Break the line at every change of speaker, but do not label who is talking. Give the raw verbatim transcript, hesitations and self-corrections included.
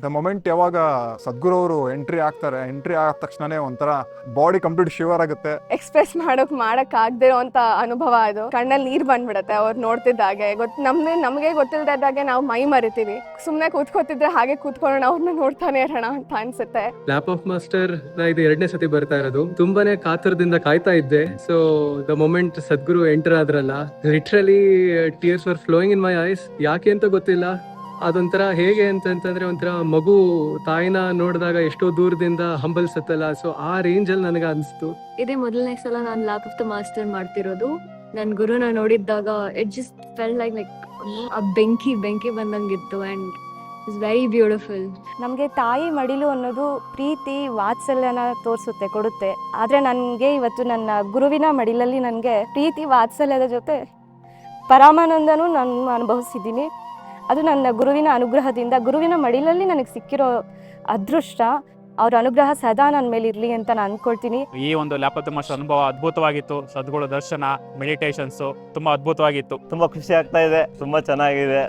The moment ಯಾವಾಗ ಸದ್ಗುರು ಅವರು entry ಆಗ್ತಾರೆ, ಎಂಟ್ರಿ ಆದ ತಕ್ಷಣನೇ ಒಂಥರ ಬಾಡಿ ಕಂಪ್ಲೀಟ್ ಶಿವರ್ ಆಗುತ್ತೆ.
ಎಕ್ಸ್ಪ್ರೆಸ್ ಮಾಡೋಕ್ ಮಾಡಕ್ ಆಗದೆ ಇರೋಂತ ಅನುಭವ ಅದು. ಕಣ್ಣಲ್ಲಿ ನೀರ್ ಬಂದ್ಬಿಡತ್ತೆ ಅವ್ರು ನೋಡ್ತಿದ್ದಾಗೆ. ಗೊತ್ ನಮ್ಗೆ ನಮಗೆ ಗೊತ್ತಿಲ್ದಾಗೆ ನಾವು ಮೈ ಮರಿತೀವಿ. ಸುಮ್ನೆ ಕೂತ್ಕೋತಿದ್ರೆ ಹಾಗೆ ಕೂತ್ಕೊಳ್ಳೋಣ, ಅವ್ರನ್ನ ನೋಡ್ತಾನೆ ಇರೋಣ ಅಂತ ಅನ್ಸುತ್ತೆ.
ಲ್ಯಾಪ್ ಆಫ್ ಮಾಸ್ಟರ್ ನ ಇದು ಎರಡನೇ ಸತಿ ಬರ್ತಾ ಇರೋದು. ತುಂಬಾನೇ ಕಾತರದಿಂದ ಕಾಯ್ತಾ ಇದ್ದೆ. So the moment Sadhguru enter ಆದ್ರಲ್ಲ, literally tears were flowing in my eyes. ಯಾಕೆ ಅಂತ ಗೊತ್ತಿಲ್ಲ. ಅದೊಂಥರ ಹೇಗೆ ಅಂತಂತಂದ್ರೆ ಒಂಥರ ಮಗು ತಾಯಿನ ನೋಡಿದಾಗ ಎಷ್ಟೋ ದೂರದಿಂದ ಹಂಬಲ್ಸತ್ತಲ್ಲ, ಸೊ ಆ ರೇಂಜ್ ಅಲ್ಲಿ ನನಗೆ ಅನಿಸ್ತು.
ಇದೇ ಮೊದಲನೇ ಸಲ ನಾನು ಲ್ಯಾಪ್ ಆಫ್ ದ ಮಾಸ್ಟರ್ ಮಾಡ್ತಿರೋದು. ನನ್ ಗುರುನ ನೋಡಿದ್ದಾಗ it just fell like like ಆ ಬೆಂಕಿ ಬೆಂಕಿ ಬಂದಂಗಿತ್ತು ಅಂಡ್ ಇಟ್ಸ್ ವೆರಿ ಬ್ಯೂಟಿಫುಲ್.
ನಮಗೆ ತಾಯಿ ಮಡಿಲು ಅನ್ನೋದು ಪ್ರೀತಿ ವಾತ್ಸಲ್ಯನ ತೋರಿಸುತ್ತೆ, ಕೊಡುತ್ತೆ. ಆದರೆ ನನಗೆ ಇವತ್ತು ನನ್ನ ಗುರುವಿನ ಮಡಿಲಲ್ಲಿ ನನಗೆ ಪ್ರೀತಿ ವಾತ್ಸಲ್ಯದ ಜೊತೆ ಪರಮಾನಂದನೂ ನಾನು ಅನುಭವಿಸಿದ್ದೀನಿ. ಅದು ನನ್ನ ಗುರುವಿನ ಅನುಗ್ರಹದಿಂದ, ಗುರುವಿನ ಮಡಿಲಲ್ಲಿ ನನಗೆ ಸಿಕ್ಕಿರೋ ಅದೃಷ್ಟ. ಅವ್ರ ಅನುಗ್ರಹ ಸದಾ ನನ್ನ ಮೇಲೆ ಇರಲಿ ಅಂತ ನಾನು ಅಂದ್ಕೊಳ್ತೀನಿ.
ಈ ಒಂದು ಲ್ಯಾಪ್ ಆಫ್ ದ ಮಾಸ್ಟರ್ ಅನುಭವ ಅದ್ಭುತವಾಗಿತ್ತು. ಸದ್ಗುರು ದರ್ಶನ, ಮೆಡಿಟೇಷನ್ಸು ತುಂಬ ಅದ್ಭುತವಾಗಿತ್ತು.
ತುಂಬಾ ಖುಷಿ ಆಗ್ತಾ ಇದೆ, ತುಂಬಾ ಚೆನ್ನಾಗಿದೆ.